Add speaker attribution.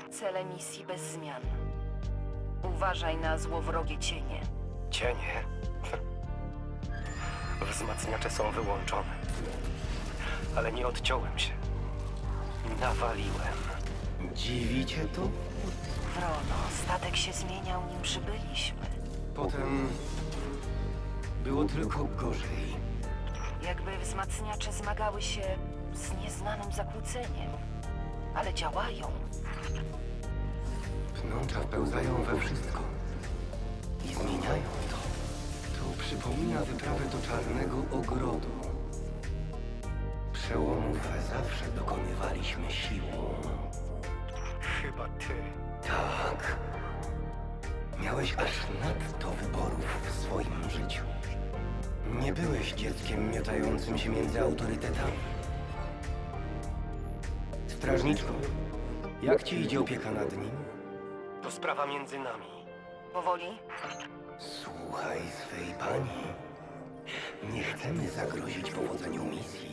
Speaker 1: Cele misji bez zmian. Uważaj na złowrogie cienie.
Speaker 2: Cienie? Wzmacniacze są wyłączone. Ale nie odciąłem się. Nawaliłem.
Speaker 3: Dziwi cię to?
Speaker 1: Wrono, statek się zmieniał, nim przybyliśmy.
Speaker 3: Potem było tylko gorzej.
Speaker 1: Jakby wzmacniacze zmagały się z nieznanym zakłóceniem. Ale działają.
Speaker 3: Pnącza wpełzają we wszystko i zmieniają to. To przypomina wyprawę do Czarnego Ogrodu. Przełomów zawsze dokonywaliśmy siłą.
Speaker 2: Chyba ty.
Speaker 3: Tak. Miałeś aż nadto wyborów w swoim życiu. Nie byłeś dzieckiem miotającym się między autorytetami. Strażniczko, jak ci idzie opieka nad nim?
Speaker 2: To sprawa między nami.
Speaker 1: Powoli?
Speaker 3: Słuchaj swej pani. Nie chcemy zagrozić powodzeniu misji.